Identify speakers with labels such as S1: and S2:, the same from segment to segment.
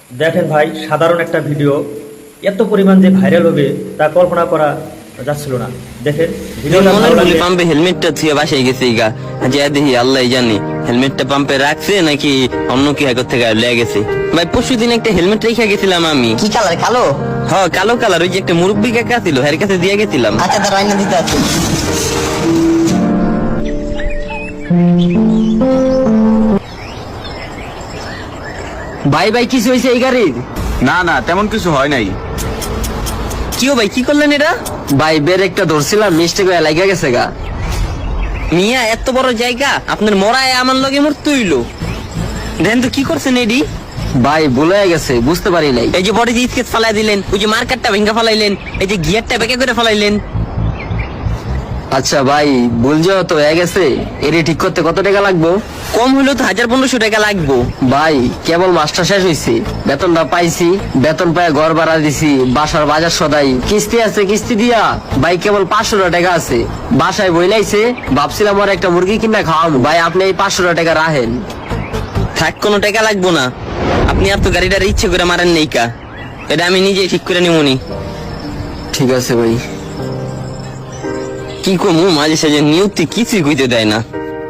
S1: দেখেন ভাই, সাধারণ একটা ভিডিও এত পরিমাণ যে ভাইরাল হবে তা কল্পনা করা যাচ্ছিল না। দেখেন ভিডিওটা ভালো লাগলে
S2: পাম্পে হেলমেটটা থুয়ে বাসায় গেছে গা, যে দেখি আল্লাহ জানি হেলমেটটা পাম্পে রাখছে নাকি অন্য কি হাগর থেকে লেগে গেছে। ভাই পরশুদিন একটা হেলমেট রেখে গেছিলাম আমি।
S3: কি কালার? কালো?
S2: হ্যাঁ কালো কালার, ওই যে একটা মুরব্বী কাকা ছিল এর কাছে দিয়ে গেছিলাম।
S3: আচ্ছা, তার রান্না দিতে আছে।
S4: ভাই ভাই কিছু হয়েছে এই গাড়ির?
S5: না না, তেমন কিছু হয় নাই।
S2: কিও ভাই কি করলেন এটা?
S4: ভাই ব্রেকটা ধরছিলাম, মিস্টেক হয়ে লাগা গেছে গা।
S2: মিয়া এত বড় জায়গা আপনার মরায় আমার লগে মরতে হইলো। দেখেন তো কি করছেন এডি?
S4: ভাই ভুলে গেছে, বুঝতে পারি নাই।
S2: এই যে বডি যে স্কেচ ফালাই দিলেন, ওই যে মার্কারটা ভেঙে ফালাইলেন, এই যে গিয়ারটা বেঁকে করে ফালাইলেন।
S4: আচ্ছা ভাই, ভুল যেহেতু হয়ে গেছে, এটি ঠিক করতে কত টাকা লাগবো?
S2: কম হইলেও তো 1500 টাকা লাগবো।
S4: ভাই কেবল মাস্টার শেষ হয়েছে, বেতনটা পাইছি, বেতন পায় ঘর ভাড়া দিছি, বাসার বাজার সদাই, কিস্তি আছে, কিস্তি দিয়া ভাই কেবল 500 টাকা আছে। বাসায় বইলাইছে, ভাবছিলাম আর একটা মুরগি কিনা খাওয়াবো। ভাই আপনি এই 500 টাকা রাখেন।
S2: থাক, কোনো টাকা লাগবো না। আপনি আর তো গাড়িটার ইচ্ছে করে মারেন নেই কা, এটা আমি নিজেই ঠিক করে নিবনি।
S4: ঠিক আছে ভাই।
S2: কি কমু, মাঝে সাঝে নিয়তি কিছুই কইতে দেয় না।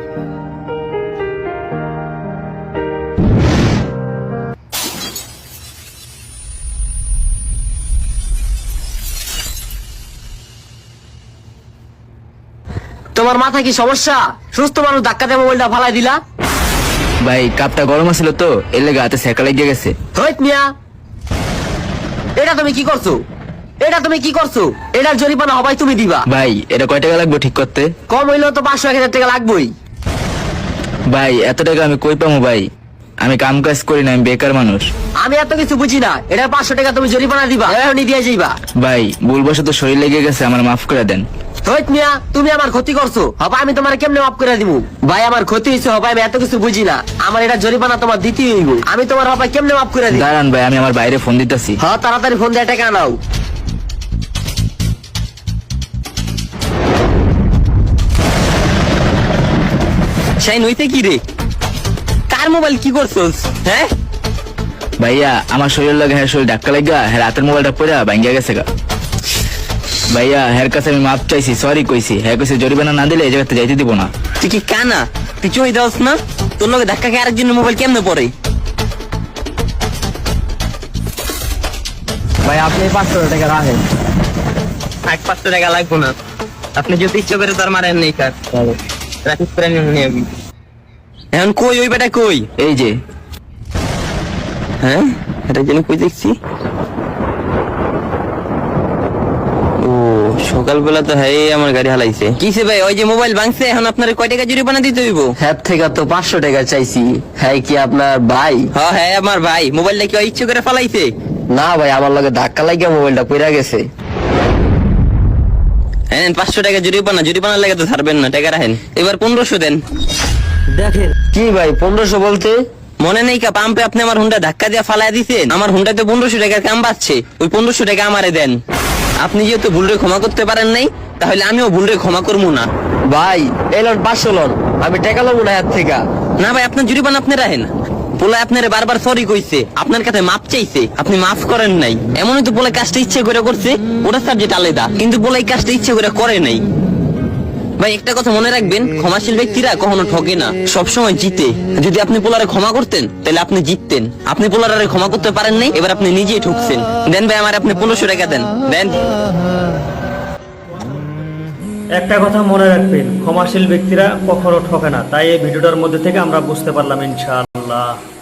S4: তোমার মাথা কি সমস্যা? সুস্থ মানুষ ধাক্কা দিয়ে মোবাইলটা ফালাই দিলা।
S6: ভাই কাপটা গরম আছিল তো, এর লেগে হাতে সেকা লেগে গেছে।
S4: হইত মিয়া, এটা তুমি কি করছো? এটা তুমি কি করছো? এটার জরিমানা হবাই তুমি দিবা।
S6: ভাই এটা কয় টাকা লাগবে ঠিক করতে?
S4: কম হইলেও তো 500-1000 টাকা লাগবেই।
S6: ভাই এত টাকা আমি কই পাবো ভাই? আমি কাম কাজ করি না, আমি বেকার মানুষ।
S4: আমি এত কিছু বুঝি না, এটা 500 টাকা তুমি জরিমানা দিবা, এখনই দিয়ে যাইবা।
S6: ভাই ভুলবশত শরীর লেগে গেছে, আমার মাফ করে দেন।
S4: হইত মিয়া, তুমি আমার ক্ষতি করছো, হবা আমি তোমার কেমনে মাফ করে দিব? ভাই আমার ক্ষতি হয়েছে, হবা আমি এত কিছু বুঝি না, আমার এটা জরিমানা তোমার দিতেই হইব। আমি তোমার হবা কেমনে মাফ করে দিব?
S6: দাঁড়ান ভাই, আমি আমার বাইরে ফোন দিতেছি।
S4: হ্যাঁ তাড়াতাড়ি ফোন দিয়ে টাকা নাও।
S2: শাইন হইতে কি রে? কার মোবাইল কি করছস? হ্যাঁ
S6: ভাইয়া আমার শরীর লাগে, হ্যাঁ শরীর ধাক্কা লাগা, হ্যাঁ রাতের মোবাইলটা পড়ে ভাঙ্গিয়া গেছে গা। ভাইয়া হ্যার কাছে আমি মাপ চাইছি, সরি কইছি, হ্যাঁ কইছে জরিমানা না দিলে এই জায়গাতে যাইতে দিব না।
S2: তুই কি কানা? তুই চই দাস না? তোর লগে ধাক্কা খেয়ে আরেকজনের মোবাইল কেমনে পড়ে?
S4: ভাই আপনি 500 টাকা রাখেন।
S2: 500 টাকা লাগবো না, আপনি যদি ইচ্ছে করে তার মারেন নেই কার রাখিস করে নিয়ে আমি। এখন কই ওই বেটা কই?
S6: এই যে।
S2: হ্যাঁ এটা যেন কই দেখছি। ও সকালবেলা তো হ্যাঁ আমার গাড়ি হালাইছে। কিসে ভাই? ওই যে মোবাইল ভাঙছে, এখন আপনার কয় টাকা জরিমানা দিতে হইব?
S4: হ্যাঁ থেকে তো 500 টাকা চাইছি। হ্যাঁ কি আপনার ভাই?
S2: হ্যাঁ হ্যাঁ আমার ভাই। মোবাইলটা কি ইচ্ছে করে ফালাইছে?
S4: না ভাই, আমার লগে ধাক্কা লাগিয়ে মোবাইলটা পড়ে গেছে।
S2: হ্যাঁ 500 টাকা জরিমানা, জরিমানা লাগে তো ছাড়বেন না, টাকা রাখেন। এবার 1500 দেন।
S4: দেখেন কি ভাই 1500 বলতে?
S2: মনে নেই কা পাম্পে আপনি আমার হুন্ডা ধাক্কা দিয়ে ফালাই দিছেন, আমার হুন্ডাতে 1500 টাকার কাম বাচ্ছে, ওই 1500 টাকা আমারে দেন। আপনি যেহেতু ভুলরে ক্ষমা করতে পারেন নাই, তাহলে আমিও ভুলরে ক্ষমা করবো না।
S4: ভাই এলন 500 লন, আমি টাকা লব না হাত থেকে।
S2: না ভাই আপনার জরিমানা আপনি রাখেন। পোলা আপনারে বারবার সরি কইছে, আপনার কাছে মাপ চাইছে, আপনি মাফ করেন নাই। এমনই তো পোলা কাজটা ইচ্ছে করে করছে, ওটা সাবজেক্ট আলাদা, কিন্তু পোলা এই কাজটা ইচ্ছে করে করে নাই। ভাই একটা কথা মনে রাখবেন, ক্ষমাশীল ব্যক্তিরা কখনো ঠকে না, সবসময় জিতে। যদি আপনি পোলারে ক্ষমা করতেন তাহলে আপনি জিততেন। আপনি পোলারে ক্ষমা করতে পারেন নাই, এবার আপনি নিজেই ঠকছেন। দেন ভাই আমার আপনি 1500 টাকা দেন। দেন।
S1: একটা কথা মনে রাখবেন, ক্ষমাশীল ব্যক্তিরা কখনো ঠকে না। তাই এই ভিডিওটার মধ্যে থেকে আমরা বুঝতে পারলাম ইনশাআল্লাহ।